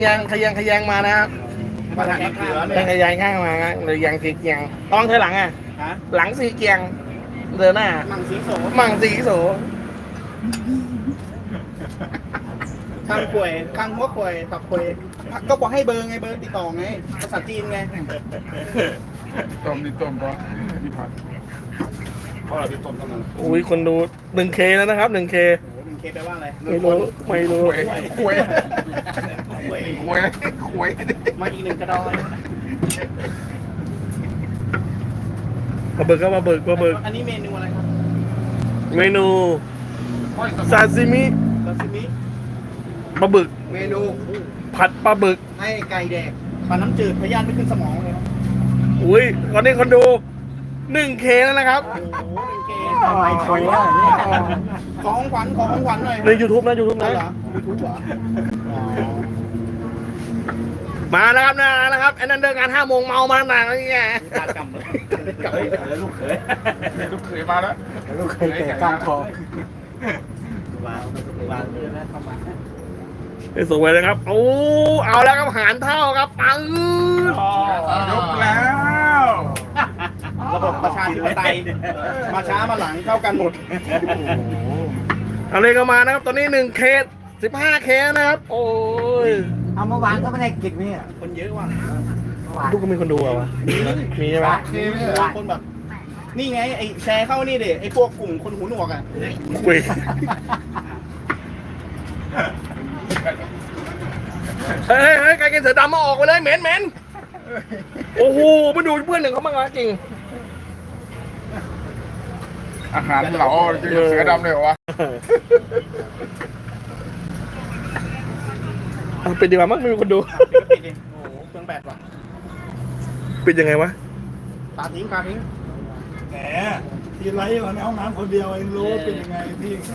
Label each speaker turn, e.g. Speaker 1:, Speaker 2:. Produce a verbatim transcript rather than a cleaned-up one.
Speaker 1: ยังขยังขยังมานะครับ
Speaker 2: มาทางข้างเล
Speaker 1: ยังข
Speaker 2: ย
Speaker 1: ยังข้างมาหรือยังสีเกียงต้องเธอหลังอ่ะ
Speaker 2: ฮะ
Speaker 1: หลังสีเกียงเดินหน้า
Speaker 2: มังสีโส
Speaker 1: มั่งสีโส
Speaker 2: ข้างควยข้างหัวควยตับควยก็บอกให้เบอร์ไงเบอร์ติดต่อไงภาษาจีนไง
Speaker 3: ต้มนี่ต้มก็ที่ผัดเพราะเราที่ต้มกำลัง
Speaker 1: อุ้ยคนดูหนึ่งเคแล้วนะครับหนึ่งเค
Speaker 2: โอ้โหมันเคแปลว่าอะไร
Speaker 1: ไม่รู้ไม่รู้
Speaker 3: หวยหวยหวยหวยหวย
Speaker 2: มาอีกหนึ่งกระดอย
Speaker 1: มาเบิกก็มาเบิกมาเบิก
Speaker 2: อันนี้เมนูอะไรครับ
Speaker 1: เมนูซาซิมิ
Speaker 2: ซาซิมิ
Speaker 1: ปลาบึก
Speaker 2: เมนู
Speaker 1: ผัดปลาบึก
Speaker 2: ให้ไก่แดกปลาน้ำจืดพยานไม่ขึ้นสมองเลยครับ
Speaker 1: อุ้ยตอนนี้คนดูหนึ่งเคแล้วนะครับ
Speaker 2: โอ้โหหนึ่งเค
Speaker 4: ไม่คุยแล้วเนี่ย
Speaker 2: ขอของขวัญขอของขวัญหน่อย
Speaker 1: ใน YouTube นะ YouTube
Speaker 2: นั่
Speaker 1: นะ
Speaker 2: นเหรอยูทูบเหรออ๋อ
Speaker 1: มาแล้วครับนะนะครับไอ้นั่นเดินงานห้าโมงเมามาหนักอะไรเงี้ย
Speaker 2: ตากำเลยกำ
Speaker 3: เฮ้ย
Speaker 2: เลย
Speaker 3: ลูกเขยลูกเขยมาแล้ว
Speaker 4: ลูกเคยเตะก้านคอ
Speaker 2: วางวางเลยนะเข้ามา
Speaker 1: ไปสวยเลยครับโอ้เอาแล้วครับหารเท่าครับปัง
Speaker 3: ยกแล้ว
Speaker 2: ระบบประชาธิปไตยมาช้ามาหลังเท่ากันหมด
Speaker 1: เอาเลยก็มานะครับตอนนี้หนึ่งเคสิบห้าเคนะครับ โอ้ย
Speaker 4: เอาเมื่อวานก็ไม่ได้กินเนี่ย
Speaker 2: คนเยอะว่ะ
Speaker 4: เมื่อวาน
Speaker 1: ลูกก็มีคนดูอะวะมีใช่ไหม
Speaker 2: คนแบบ นี่ไงไอ้แชร์เข้านี่ดิไอ้พวกกลุ่มคนหูหนวกอ่ะ
Speaker 1: คุยเฮ้ยเฮ้ยไก่กินเสือดำมาออกไปเลยเหม็นเหม็นโอ้โหมาดูเพื่อนหนึ่งเขาบ้างนะจริง
Speaker 3: อาหารเหลาจะเสือดำเลยเหรอวะ
Speaker 1: เอาปิดดีกว่ามั้งไม่มีคนดู
Speaker 2: ปิดดิโอ้โหเครื่องแบตว่ะ
Speaker 1: ปิดยังไงวะ
Speaker 2: ตาทิ้งตาทิ้ง
Speaker 5: แหมทีไรอยู่ในห้องน้ำคนเดียวเองรู้ว่าเป็นยังไงพี่